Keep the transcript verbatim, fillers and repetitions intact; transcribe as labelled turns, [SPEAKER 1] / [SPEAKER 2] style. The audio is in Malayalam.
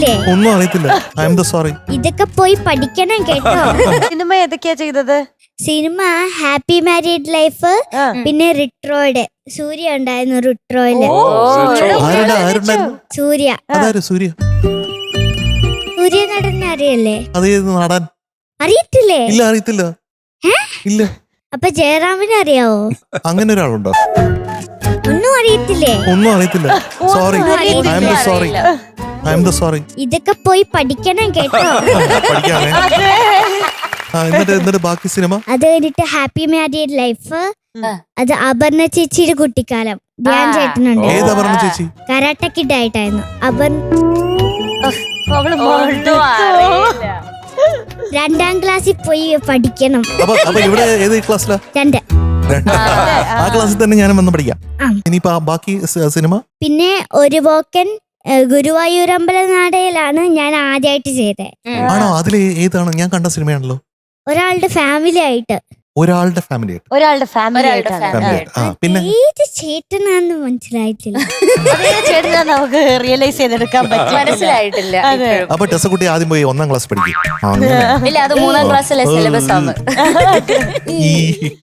[SPEAKER 1] അറിയത്തില്ലേ?
[SPEAKER 2] ഒന്നും അറിയത്തില്ല. I am the sorry.
[SPEAKER 1] ഇതൊക്കെ പോയി പഠിക്കണം കേട്ടോ.
[SPEAKER 3] സിനിമ ഏതൊക്കെയാ ചെയ്തത്?
[SPEAKER 1] സിനിമ ഹാപ്പി മാരീഡ് ലൈഫ്, പിന്നെ റിട്രോയിഡ്. സൂര്യ ഉണ്ടായിരുന്നു റിട്രോയില്.
[SPEAKER 2] ആരുടെ ആരുണ്ടായിരുന്നു?
[SPEAKER 1] സൂര്യ.
[SPEAKER 2] അതാര് സൂര്യ?
[SPEAKER 1] സൂര്യ നടനെ അറിയല്ലേ?
[SPEAKER 2] അതേത് നാടാൻ?
[SPEAKER 1] അറിയത്തില്ലേ?
[SPEAKER 2] ഇല്ല, അറിയത്തില്ല. ഇല്ല.
[SPEAKER 1] അപ്പൊ ജയറാമിനെ അറിയാവോ?
[SPEAKER 2] അങ്ങനെ ഒരാളുണ്ടോ?
[SPEAKER 1] ഒന്നും അറിയത്തില്ലേ?
[SPEAKER 2] ഒന്നും അറിയത്തില്ല. Sorry, I am the sorry. I am the sorry.
[SPEAKER 1] ഇതൊക്കെ പോയി പഠിക്കണം കേട്ടോ.
[SPEAKER 2] പഠിക്കാമേ. ആ, എന്നിട്ട് എന്നിട്ട് ബാക്കി സിനിമ?
[SPEAKER 1] അത് കഴിഞ്ഞിട്ട് ഹാപ്പി മാരീഡ് ലൈഫ്, അത് അപർണ ചേച്ചിയുടെ കുട്ടിക്കാലം. ധ്യാൻ ചേട്ടനുണ്ട്.
[SPEAKER 2] ഏത് അപർണ ചേച്ചി?
[SPEAKER 1] കരാട്ട കിഡ് ആയിട്ടായിരുന്നു. അപർ രണ്ടാം ക്ലാസ്സിൽ പോയി പഠിക്കണം.
[SPEAKER 2] അപ്പൊ അപ്പൊ ഇവിടെ ഏത് ക്ലാസ്സിലാ?
[SPEAKER 1] രണ്ട്.
[SPEAKER 2] ആ ക്ലാസ്സിൽ തന്നെ ഞാനും വന്ന് പഠിക്കാം. ഇനിയിപ്പോ ആ ബാക്കി സ- സിനിമ?
[SPEAKER 1] പിന്നെ ഒരു പോക്കൻ ഗുരുവായൂരമ്പല നാടകയിലാണ് ഞാൻ ആദ്യമായിട്ട് ചെയ്തത്.
[SPEAKER 2] ആണോ? അതിൽ ഏതാണ്? ഞാൻ കണ്ട സിനിമയാണല്ലോ.
[SPEAKER 1] ഒരാളുടെ ഫാമിലി ആയിട്ട്.
[SPEAKER 2] ഒരാളുടെ ഫാമിലി ആയിട്ട്.
[SPEAKER 3] ഒരാളുടെ ഫാമിലി
[SPEAKER 2] ഫാമിലി ആയിട്ട്. ആ, പിന്നെ
[SPEAKER 1] ഏത് ചേട്ടനാന്ന് മനസ്സിലായിട്ടില്ല.
[SPEAKER 3] ചേട്ടനാ നമുക്ക് റിയലൈസ് ചെയ്തെടുക്കാൻ പറ്റും.
[SPEAKER 4] മനസ്സിലായിട്ടില്ല.
[SPEAKER 2] അപ്പൊ ടെസക്കുട്ടി ആദ്യം പോയി ഒന്നാം ക്ലാസ് പഠിക്കും.
[SPEAKER 4] ഇല്ല, അത് മൂന്നാം ക്ലാസ്സിലെ സിലബസ് ആണ്.
[SPEAKER 2] ഈ